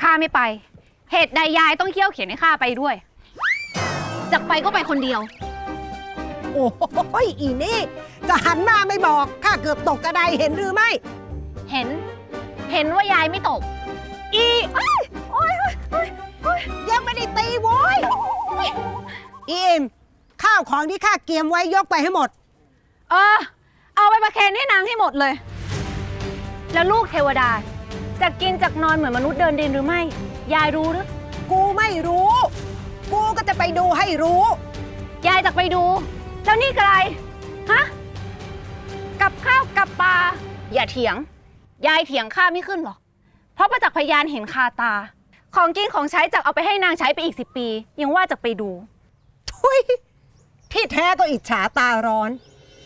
ข้าไม่ไป เหตุใดยายต้องเคี่ยวเขียนให้ข้าไปด้วยจะไปก็ไปคนเดียวโอ้ยอีนี่จะหันมาไม่บอกข้าเกือบตกกระไดเห็นหรือไม่เห็นว่ายายไม่ตกอีโอ้ยยังไม่ได้ตีโว้ยอีเอ็มข้าวของที่ข้าเตรียมไว้ยกไปให้หมดเอาไปประเคนให้นางให้หมดเลย แล้วลูกเทวดาจะกินจากนอนเหมือนมนุษย์เดินดินหรือไม่ยายรู้หรือกูไม่รู้กูก็จะไปดูให้รู้ยายจะไปดูแล้วนี่อะไรฮะกับข้าวกับปลาอย่าเถียงยายเถียงข้าไม่ขึ้นหรอกเพราะประจักษ์พยานเห็นคาตาของกินของใช้จากเอาไปให้นางใช้ไปอีก10 ปียังว่าจะไปดูทุยที่แท้ก็อิจฉาตาร้อน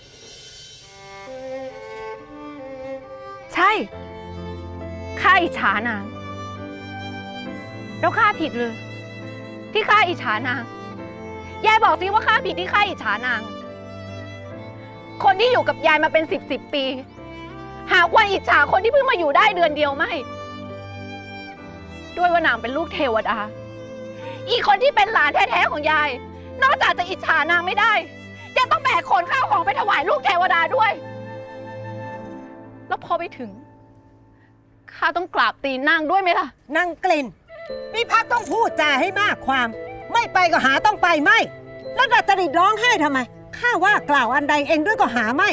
ใช่ข้าอิจฉานางแล้วข้าผิดเลยที่ข้าอิจฉานางยายบอกสิว่าข้าผิดที่ข้าอิจฉานางคนที่อยู่กับยายมาเป็น10 ปีหาควรอิจฉาคนที่เพิ่งมาอยู่ได้เดือนเดียวไม่ด้วยว่านางเป็นลูกเทวดาอีกคนที่เป็นหลานแท้ๆของยายนอกจากจะอิจฉานางไม่ได้ยังต้องแบกขนข้าวของไปถวายลูกเทวดาด้วยแล้วพอไปถึงข้าต้องกราบตีนนางด้วยไหมล่ะนางกลิ่นนี่พักต้องพูดจาให้มากความไม่ไปก็หาต้องไปไม่แล้วดัดจริตร้องไห้ทำไมข้าว่ากล่าวอันใดเองด้วยก็หาไม่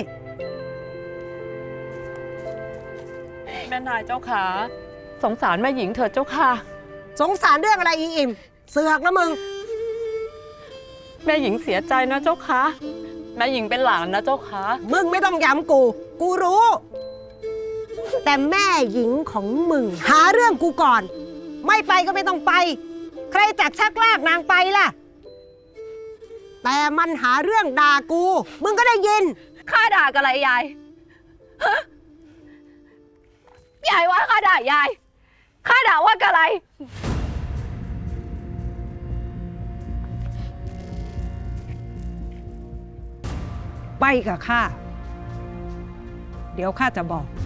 แม่นายเจ้าขาสงสารแม่หญิงเถิดเจ้าค่ะสงสารเรื่องอะไรอีอิ่มเสือกนะมึงแม่หญิงเสียใจนะเจ้าค่ะแม่หญิงเป็นหลานนะเจ้าค่ะมึงไม่ต้องย้ำกูรู้แต่แม่หญิงของมึงหาเรื่องกูก่อนไม่ไปก็ไม่ต้องไปใครจักชักลากนางไปล่ะแต่มันหาเรื่องด่ากูมึงก็ได้ยินข้าด่ากับอะไรยายยายว่าข้าด่ายายข้าด่าว่ากับอะไรไปกับข้าเดี๋ยวข้าจะบอก